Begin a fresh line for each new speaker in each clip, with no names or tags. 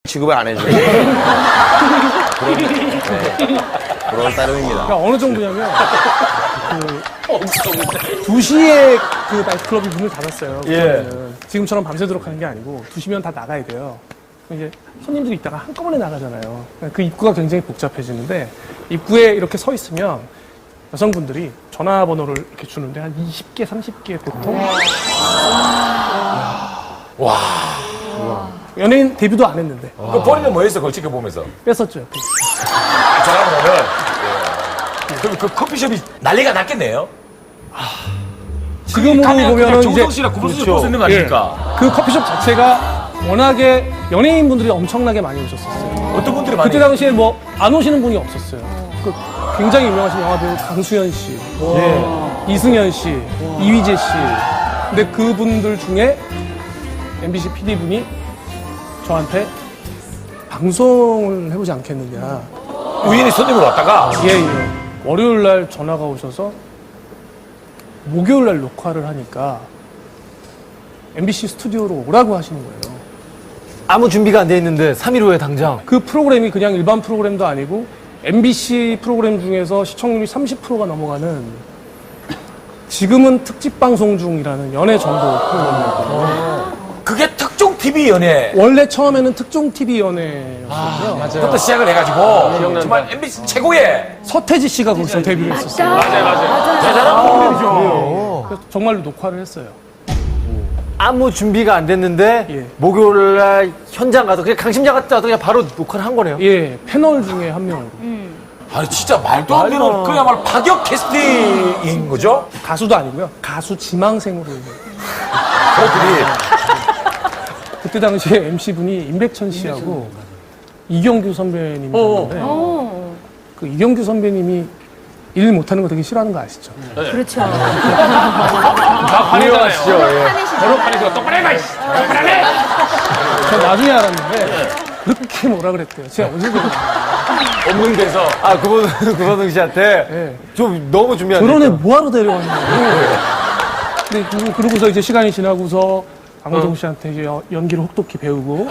취급을 안 해줘요. 그런 따름입니다.
그러니까 어느 정도냐면, 2시에 그 나이트클럽이 문을 닫았어요. 그러면은. 지금처럼 밤새도록 하는 게 아니고, 2시면 다 나가야 돼요. 이제 손님들이 있다가 한꺼번에 나가잖아요. 그 입구가 굉장히 복잡해지는데, 입구에 이렇게 서 있으면 여성분들이 전화번호를 이렇게 주는데 한 20개, 30개 보통.
와.
연예인 데뷔도 안 했는데.
그 본인은 뭐 했어? 그걸 지켜보면서.
뺐었죠.
전화번호를. 그럼 그 커피숍이 난리가 났겠네요?
지금으로 보면은 이제
정우성 씨랑 구분수를 볼수 있는 거 아닙니까?
그 커피숍 자체가 워낙에 연예인분들이 엄청나게 많이 오셨었어요.
어떤 분들이 많이.
그때 당시에 뭐 안 오시는 분이 없었어요. 그 굉장히 유명하신 영화배우 강수현 씨, 이승현 씨, 이휘재 씨. 근데 그분들 중에 MBC PD분이 저한테 방송을 해보지 않겠느냐.
우연히 손님으로 왔다가.
예. 월요일 날 전화가 오셔서 목요일 날 녹화를 하니까 MBC 스튜디오로 오라고 하시는 거예요.
아무 준비가 안 돼 있는데 3일 후에 당장.
그 프로그램이 그냥 일반 프로그램도 아니고 MBC 프로그램 중에서 시청률이 30%가 넘어가는 지금은 특집 방송 중이라는 연애 정보 프로그램이거든요.
그게 특종 TV 연예.
원래 처음에는 특종 TV 연애였어요.
부터 시작을 해가지고 정말 MBC 최고의
서태지 씨가 거기서 데뷔를 했었어요.
대단한 프로그램이죠.
그래서 정말로 녹화를 했어요.
아무 준비가 안 됐는데
예.
목요일 날 현장 가서 그냥 강심장 갔다 와서 그냥 바로 녹화를 한 거네요.
예, 패널 중에 한 명으로.
아니 진짜 말도 안 되는 그야말로 파격 캐스팅인 거죠?
가수도 아니고요. 가수 지망생으로.
그들이
그때 당시에 MC분이 임백천 씨하고 이경규 선배님이었는데 그 이경규 선배님이 일 못하는 거 되게 싫어하는 거 아시죠?
그렇죠.
유명하시죠.
번호판에서 똑바로 해봐. 똑바로 해.
저 나중에 알았는데 그렇게 뭐라 그랬대요. 제가 어제 그랬어요.
없는 데서.
아, 구본웅 씨한테
네.
좀 너무 준비 안
저런 애
됐다.
뭐하러 데려왔냐고. 근데 그러고서 이제 시간이 지나고서 강호동 씨한테 이제 연기를 혹독히 배우고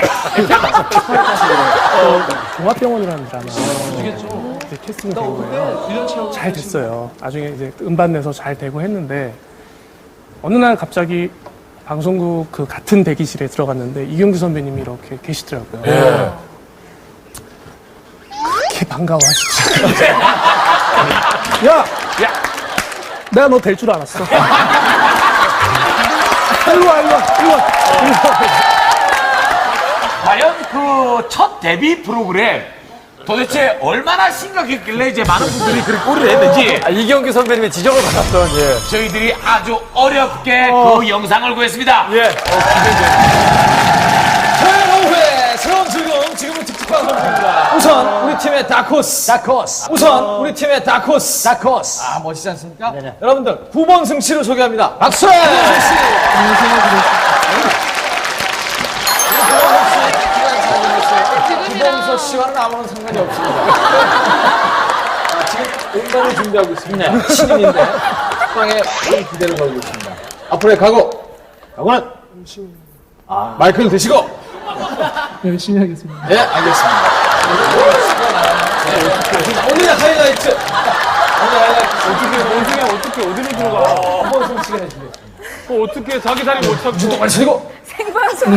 종합병원이라는 드라마 이제 캐스팅 된 거예요. 잘 됐어요. 나중에 이제 음반 내서 잘 되고 했는데 어느 날 갑자기 방송국 그 같은 대기실에 들어갔는데 이경규 선배님이 이렇게 계시더라고요. 그렇게 반가워하시더라고요. 야! 내가 너 될 줄 알았어. 일로 와.
과연 그 첫 데뷔 프로그램 도대체 얼마나 심각했길래 이제 많은 분들이 그렇게 꼬리를 했는지
아, 이경규 선배님의 지적을 받았던, 예.
저희들이 아주 어렵게 그 영상을 구했습니다.
예.
토요일 오후에 새로운 즐거움 지금은 특집 방송 중입니다. 우선 우리 팀의 다크호스. 우선 우리 팀의 다크호스. 아 멋지지 않습니까? 여러분들 9번 승치를 소개합니다. 박수! 김범석 씨와는 아무런 상관이 없습니다. 지금 음반을 준비하고 있습니다. 신인인데 빵에 큰 기대를 걸고 있습니다. 앞으로의 각오. 각오는 마이크를 드시고.
열심히 하겠습니다.
네, 알겠습니다. 오늘의 하이라이트.
어떻게 어디로 들어가?
한번 승치가 해주겠습니다.
어떻게 자기 자리 못 찾고.
주도 많이 치고.
생방송.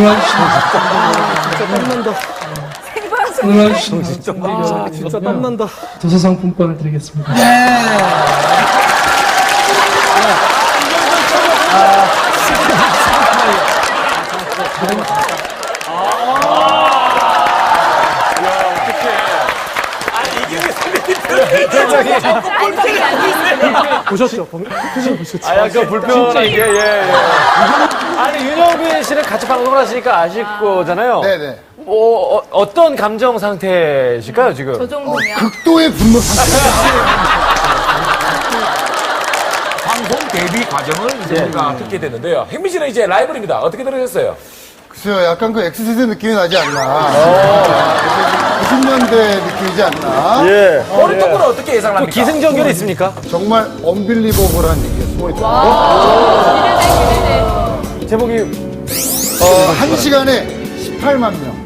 진짜 땀난다. 도서상품권을 드리겠습니다.
안색이 안 돼 있어요.
보셨죠? 보셨죠?
아, 약간 불편한 게, 예. 아니, 윤영빈 씨는 같이 방송을 하시니까 아실 거잖아요.
네네.
어떤 감정 상태실까요, 지금?
저 정도면.
극도의 분노 상태.
방송 데뷔 과정을 이제 우리가 듣게 됐는데요. 혜민 씨는 이제 라이벌입니다. 어떻게 들으셨어요?
글쎄요, 약간 그 X세대 느낌이 나지 않나. 90년대 느낌이지 않나.
예.
어떤 분은 어떻게 예상을
또
합니까?
기승전결이 있습니까?
정말 언빌리버블한 얘기가 숨어있더라고요.
기대돼.
제목이
1시간에 18만 명.